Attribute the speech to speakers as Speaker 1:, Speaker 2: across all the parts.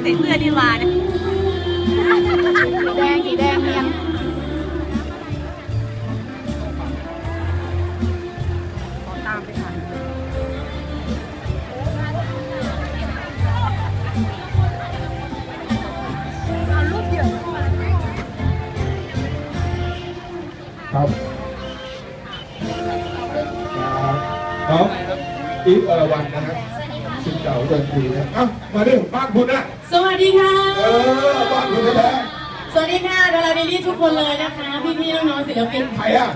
Speaker 1: ใส่เสื้อดีกว่าเนี่ย
Speaker 2: สีแดงเนียนตามไปค่ะเอารูปเดี่ยว
Speaker 3: ครับน้องอีฟอรวรรณนะครับสิบเก่าเดินทีนะเอ้ามาดิบ้านคุณนะ
Speaker 2: สวัสดีค่ะ
Speaker 3: บ้านคุณแท้
Speaker 2: สวัสดีค่ะดาราดีลี่ทุกคนเลยนะคะพี่ๆน้องๆศิลปิน
Speaker 3: ใครอ่ะ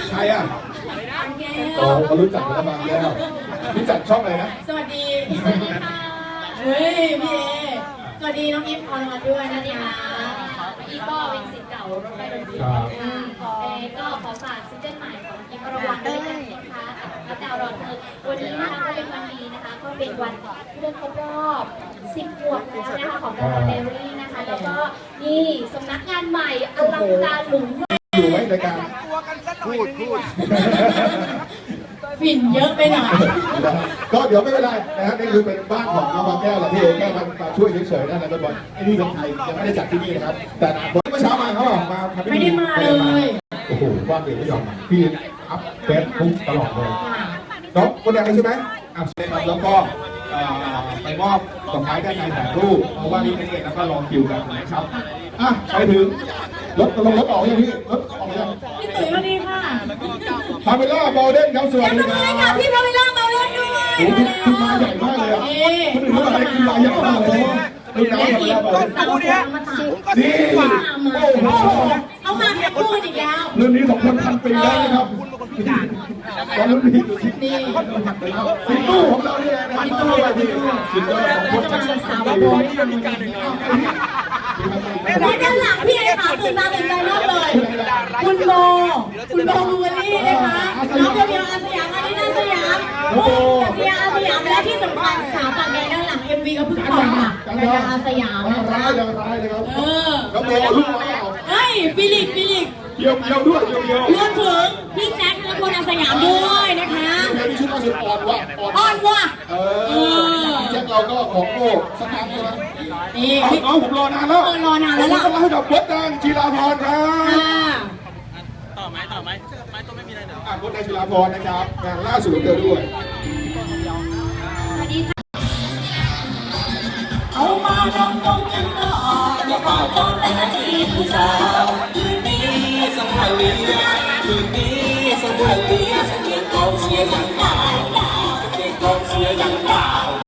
Speaker 3: โอ้เขารู้จักกันมาแล้วรู้จักช่องอะไรนะ
Speaker 2: สวัสดีเฮ้ยพี่เอสวัสดีน้องอีฟอรวรรณด้วยนะคะ
Speaker 4: อีก็เป็นศิษย์เก่ารถไฟดนตรีก็ขอฝากซิงเกิลใหม่ของอีฟอรวรรณด้วยกันนะคะกับดาวรอนเธอวันนี้นะคะก็เป็นวันดีนะคะก็เป็นวันที่ได้ครบรอบ10 ขวบแล้วนะคะของดาวรอนเดลี่นะคะแล้วก็นี่สำนักงานใหม่อลังการหรู
Speaker 3: อยู่ไหมรายการพูด
Speaker 2: ฝิ่นเยอะไปหน่อย
Speaker 3: ก็เดี๋ยวไม่เป็นไรนะฮะนี่คือเป็นบ้านของน้องบางแก้วแหละที่แก้วมาช่วยเฉยๆนะบอลไอ้นี่เป็นไทยยังไม่ได้จัดที่นี่นะครับแต่เมื่อเช้ามาเขาบอกมา
Speaker 2: ไม่ได้มาเลย
Speaker 3: โอ้โหว่างเดี๋ยวไม่ยอมมาพี่อัพเฟซบุ๊กตลอดเลยน้องคนแดงเลยใช่ไหมอัพเฟซแล้วก็ไปมอบดอกไม้ด้านในถ่ายรูปเพราะว่านี่เด็กๆแล้วก็รอคิวกันนะครับอ่ะไปถึงรถออกยังพี่รถออกยัง
Speaker 2: พี่ตุ๋ยสวัสดีค่ะ
Speaker 3: พาเวล่าโมเดลครับสวัสดี
Speaker 2: ครับพี่พาเวล่ามาเล่นด้วย
Speaker 3: คุณมาใหญ่มากเลยอ่ะคุณถึงว่าอะไรคุณมาใหญ่มากเลยดูน้ำมาแล้วนี่โอ้โห
Speaker 2: เอามาแค่พูดอีกแล้ว
Speaker 3: รุ่นนี้2,000 ปีแล้วนะครับตอนรุ่นนี้นี่สิงตู้ของเราเนี่ยนะสิงตู้ไปที่สิงตู้ของคน
Speaker 2: สาวโบยทำมีการด้านหลังพี่เอค่ะตื่นตาตื่นใจมากเลยคุณโบลูเวอรี่นะคะน้องเดียวอาสยามอารีนาสยามโอ้เดียวอาสยามและที่สำคัญสาวปากแดงด้านหลัง MV ก็เพิ่งปล่อยค่ะเดียวอาสยามนะคะ
Speaker 3: ร้ายเลยครับแล้วโบลูกมา
Speaker 2: เฮ้ยฟิลิป
Speaker 3: เยี่ยมด้วย
Speaker 2: รวมถึงพี่แจ็คและคนอาสยามด้วยนะคะ
Speaker 3: ชุดมาสุด
Speaker 2: อ่อนว่ะ
Speaker 3: แจ็คเราก็ของโลกสักครั้งใช่ไหมนี่น้องผมรอนานแล้ว
Speaker 2: ล่ะ
Speaker 3: ก็มาให้กับวัดดังจีราพรครับ
Speaker 1: ต่อไหมไม่ต้องไม่มีอะไรเดี๋ยว
Speaker 3: วัดดังจีราพรนะครับงานล่าสุดของเธอด้วย